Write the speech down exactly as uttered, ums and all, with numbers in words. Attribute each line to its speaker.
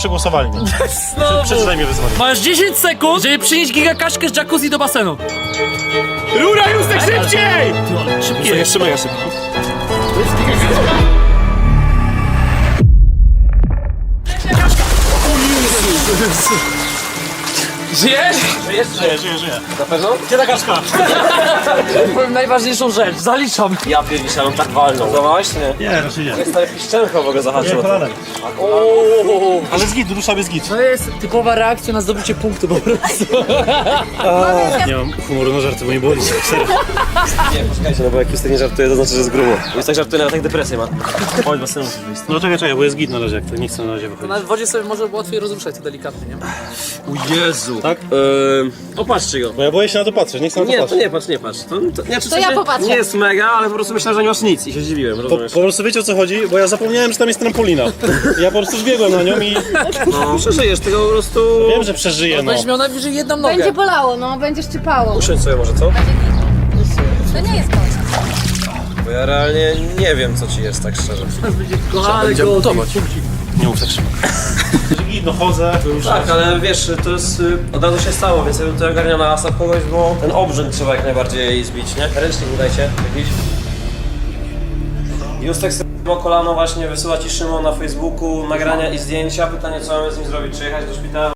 Speaker 1: Przegłosowali mnie.
Speaker 2: Znowu.
Speaker 1: Przeczytaj mi wyzwanie.
Speaker 2: Masz dziesięć sekund, żeby przynieść gigakaśkę z jacuzzi do basenu.
Speaker 3: Rura, Justek, szybciej!
Speaker 2: Szybkie.
Speaker 3: Jeszcze mega szybko. Żyjesz?
Speaker 2: Żyjesz?
Speaker 1: Żyję, żyję, żyję.
Speaker 3: Na pewno?
Speaker 1: Gdzie ta kaszka?
Speaker 2: Powiem najważniejszą rzecz, zaliczam.
Speaker 3: Ja pierdziszę, mam tak walną. Złamałeś czy nie?
Speaker 1: Nie, raczej nie.
Speaker 3: Stary piszczelko w ogóle
Speaker 1: Nie,
Speaker 3: zahaczyło.
Speaker 1: kolanem.
Speaker 3: Ooo.
Speaker 1: Ale zgid, rusza bez gid.
Speaker 2: To jest typowa reakcja na zdobycie punktu po prostu.
Speaker 1: Nie mam humoru na żarty, bo nie było nic.
Speaker 3: Nie, poczekajcie, no bo jak Justek nie żartuje, to znaczy, że jest grubo. Justek żartuje, nawet jak depresję ma. Chodź, basenu musisz wyjść.
Speaker 1: No czekaj, czekaj, bo jest git na razie, jak to nie chcę na razie wychodzić.
Speaker 2: Na wodzie sobie może łatwiej rozruszać to delikatnie, nie?
Speaker 3: O Jezu.
Speaker 1: Tak?
Speaker 3: Eee, opatrzcie go.
Speaker 1: Bo ja boję się na to patrzeć, nie chcę na to
Speaker 3: Nie, to
Speaker 1: patrzeć.
Speaker 3: nie patrz, nie patrz. To, to, nie,
Speaker 4: To ja popatrzę.
Speaker 3: Nie jest mega, ale po prostu myślałem, że nie masz nic i się zdziwiłem,
Speaker 1: Po,
Speaker 3: rozumiesz?
Speaker 1: po prostu wiecie o co chodzi, bo ja zapomniałem, że tam jest trampolina. Ja po prostu zbiegłem na nią i
Speaker 3: No, przeżyjesz tego po prostu...
Speaker 1: wiem, że przeżyję, no.
Speaker 2: Będziesz miał najwyżej jedną nogę.
Speaker 4: Będzie bolało, no, będzie szczypało.
Speaker 3: Usiądź sobie może, co?
Speaker 4: To nie jest koniec.
Speaker 3: Bo ja realnie nie wiem, co ci jest, tak szczerze.
Speaker 2: Ale go gotować.
Speaker 1: Nie mów tak szybko. Git, no chodzę.
Speaker 3: Tak, ale wiesz, to jest... y, od razu się stało, więc ja bym tutaj ogarniał na asap kogoś, bo ten obrzęd trzeba jak najbardziej zbić, nie? Ręcznik dajcie, jakiś. Justek sobie kolano właśnie wysyła ci Szymon na Facebooku nagrania i zdjęcia. Pytanie, co mamy z nim zrobić? Czy jechać do szpitala?